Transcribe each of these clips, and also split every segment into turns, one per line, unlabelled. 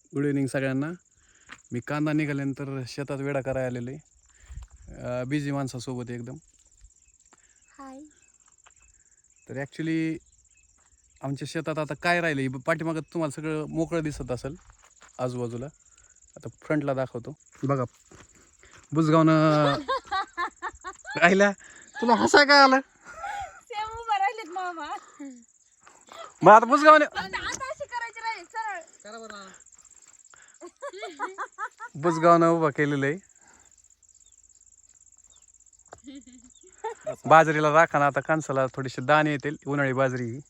Good evening सगळ्यांना. मी कांदा निघाल्यानंतर शेतात वेडा करायला आलेलो आहे, बिझी माणसासोबत एकदम.
हाय.
तर ॲक्च्युली आमच्या शेतात आता काय राहिलं आहे, पाठीमागं तुम्हाला सगळं मोकळं दिसत असेल आजूबाजूला. आता फ्रंटला दाखवतो बघा. बुजगावनं राहिला. तुला हसाय काय आलं?
सेम उभा राहिलेत मामा.
मग आता बुजगावने
आता अशी करायची राहील सरळ.
करा बरं.
बुजगावनं उभा केलेलं आहे. बाजरीला राखा ना, आता कणसाला थोडीशी दाणे येतील. उन्हाळी बाजरी ही.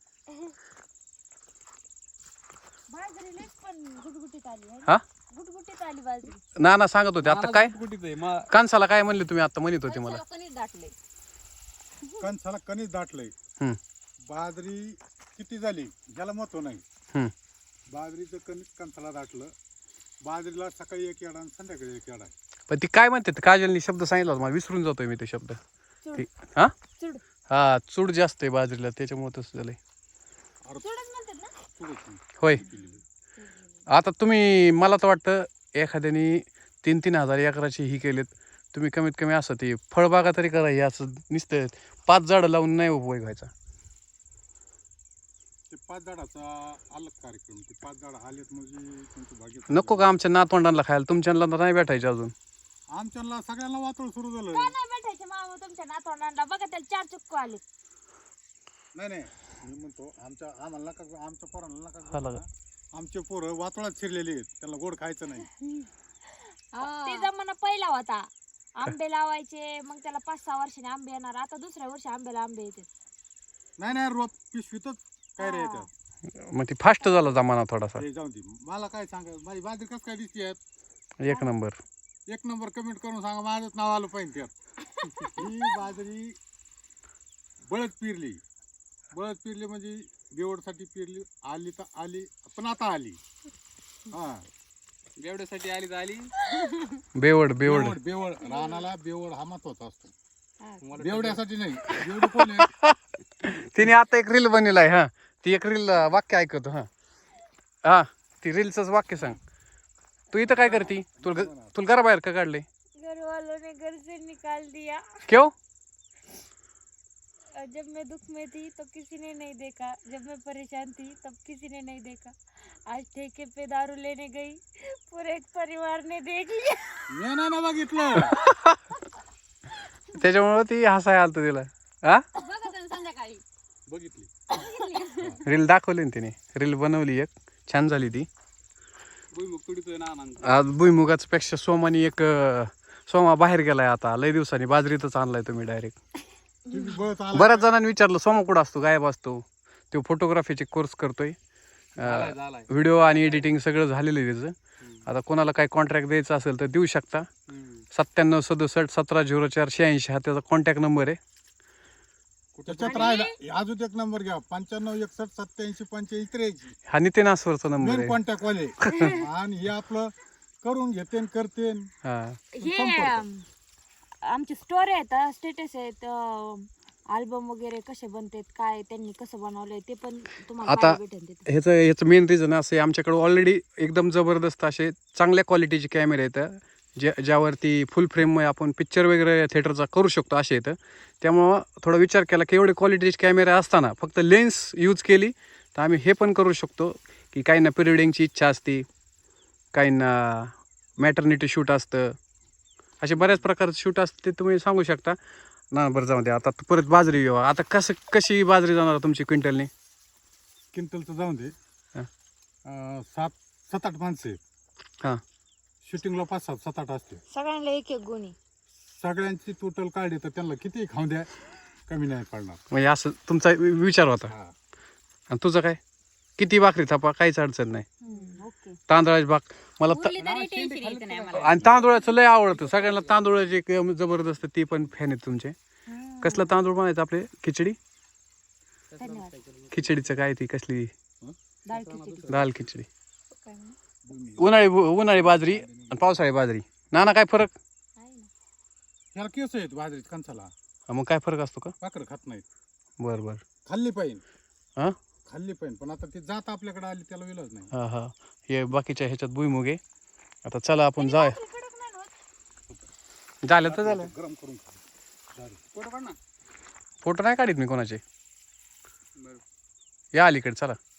बाजरी लईच पण गुटगुटीत आली आहे.
हा
गुटगुटीत आली बाजरी.
ना सांगत होते आता काय
कुठे आहे
कणसाला काय म्हणले तुम्ही आता म्हणत होते मला.
कणीस दाटले.
कणसाला कणीस दाटलंय.
हम्म.
बाजरी किती झाली याला महत्व नाही.
हम्म.
बाजरीचं कणीस कणसाला दाटलं. बाजरीला सकाळी एक येडा आणि संध्याकाळी एक येडा.
पण ती काय म्हणते काजलनी शब्द सांगितला होता, मला विसरून जातोय मी ते शब्द.
चूड.
हा
चूड.
हा, चूड जास्त आहे बाजरीला, त्याच्यामुळे तसं झालंय.
चूडच म्हणतात ना.
चुडच
होय. आता तुम्ही मला तर वाटतं एखाद्याने 3-3 हजार एकराची ही केलेत. तुम्ही कमीत कमी असं ते फळबागा तरी करा. हे असं नुसतं 5 झाडं लावून नाही उपयोग व्हायचा.
ते 5 झाडाचा अलग कार्यक्रम. ते 5 झाडं आलेत म्हणजे तुमचं भाग्य.
नको का आमच्या नातवंडांना खायला? तुमच्याला तर नाही भेटायचे अजून.
आमच्याला सगळ्यांना वातोळ सुरू झालं.
काय नाही भेटायचे मामा तुमच्या नातवंडांना. बघा त्याला 4 चुक्कू आले.
नाही मी म्हणतो आम्हाला नका, आमच्या पोरांना
हा
नका.
लगा.
आमचे पोरं वातोळात शिरलेले आहेत. त्यांना गोड खायचं नाही.
ते जमाना पहिला होता. आंबे लावायचे, मग त्याला 5-6 वर्षांनी आंबे येणार. आता दुसऱ्या वर्षी आंब्याला आंबे येते.
नाही रोप पिशवीतच काय रे येतात.
मग ती फास्ट झाला जमाना थोडासा.
हे जाऊन दे. मला काय सांगा, माझी बाजरी कसं काय दिसते?
एक नंबर.
एक नंबर कमेंट करून सांगा, माझंच नाव आलं पाहिजे त्यात. ही बाजरी बळद पेरली म्हणजे बेवडसाठी पेरली. आली तर आली, पण आता आली. हा,
बेवड्यासाठी आली तर आली.
बेवड
बेवड रानाला बेवड हा महत्वाचा असतो. बेवड्यासाठी नाही. बेवड कोण आहे?
तिने आता एक रील बनवलाय. हा, ती एक रील वाक्य ऐकतो. हा ती रीलच वाक्य सांग. तू इथं काय करती? तुला घराबाहेर का काढले?
घर वालों ने घर से निकाल दिया.
क्यों?
जब मैं दुख में थी तो किसी ने नहीं देखा. जब मैं परेशान थी तब किसी ने नहीं देखा. आज ठेके पे दारू लेने गई, पूरे परिवार ने देख लिया.
मी नाही ना बघितलं.
त्याच्यामुळे ती हसाय आलत तिला. हा,
बघा संध्याकाळी
बघितली.
रील दाखवली ना तिने. रील बनवली एक, छान झाली ती.
भुईमुग तुडीतोय ना.
आज भुईमुगाच पेक्षा सोमानी एक सोमा बाहेर गेलाय. आता लय दिवसांनी बाजरीतच आणलाय तुम्ही डायरेक्ट. बऱ्याच जणांनी विचारलं सोमा कुठं असतो, गायब असतो. तो फोटोग्राफीचे कोर्स करतोय. व्हिडिओ आणि एडिटिंग सगळं झालेलं आहे त्याचं. आता कोणाला काही कॉन्ट्रॅक्ट द्यायचा असेल तर देऊ शकता. 9767 170486 हा त्याचा कॉन्टॅक्ट नंबर आहे.
त्याच्यात राहिला अजून एक नंबर घ्या, 95 61 87 85 83.
हा नितीन आसवरचा नंबर
मेन
आहे.
कॉन्टॅक्ट वाले. आणि हे आपलं करून घेते करते.
हा,
हे आमची स्टोरी आहेत, स्टेटस आहेत, अल्बम वगैरे कसे बनतात, काय त्यांनी कसं बनवलंय ते पण तुम्हाला
आता
पाहायला भेटेल तिथे.
ह्याचं मेन रिझन असं आहे, आमच्याकडे ऑलरेडी एकदम जबरदस्त असे चांगल्या क्वालिटीचे कॅमेरे आहेत, ज्यावरती फुल फ्रेम आपण पिक्चर वगैरे थिएटरचा करू शकतो असे येतं. त्यामुळं थोडा विचार केला की एवढे क्वालिटीचे कॅमेरे असताना फक्त लेन्स यूज केली तर आम्ही हे पण करू शकतो. की काहींना प्री वेडिंगची इच्छा असते, काहींना मॅटर्निटी शूट असतं, असे बऱ्याच प्रकारचं शूट असतं, ते तुम्ही सांगू शकता ना. बरं जाऊ द्या, आता परत बाजरी घेऊ. आता कशी बाजरी जाणार तुमची क्विंटलनी?
क्विंटलचं जाऊन दे. 7-8 माणसं आहेत.
हां,
शूटिंगला 5-7 असते.
सगळ्यांना एक एक गुणी.
सगळ्यांची टोटल काढली तर त्यांना किती खाऊ द्या, कमी नाही पडणार.
म्हणजे असं तुमचा विचार होता.
हा.
आणि तुझं काय? किती भाकरी थापा, काहीच अडचण नाही.
ओके.
तांदळाची भाक मला
बोलली तरी टेन्शन यायचं नाही आम्हाला.
आणि तांदूळाचं लय आवडतं सगळ्यांना. तांदूळाचे एक जबरदस्त ती पण फॅन आहेत तुमचे. कसला तांदूळ बनायचं आपले? खिचडी.
धन्यवाद.
खिचडीचं काय ती कसली?
डाळ खिचडी.
दाल खिचडी.
काय म्हणू?
उन्हाळी बाजरी आणि पावसाळी बाजरी. नाना काय फरक?
आहे ना.
ह्याला केस आहेत बाजरीत कणसाला.
मग काय फरक असतो का?
भाकर खात नाहीत.
बरं.
खाल्ली पाहिजे.
हां,
खाल्ली पाहिजे, पण आता ती जात आपल्याकडे आली त्याला विलाज नाही.
हा हा. हे बाकीच्या ह्याच्यात भुईमुग आहे. आता चला आपण जाय.
कडक नाही होत.
झालं तर झालं.
गरम करून खा. झालं.
फोटो काढ ना.
फोटो नाही काढीत मी कोणाचे.
बरं.
या अलीकडे चला.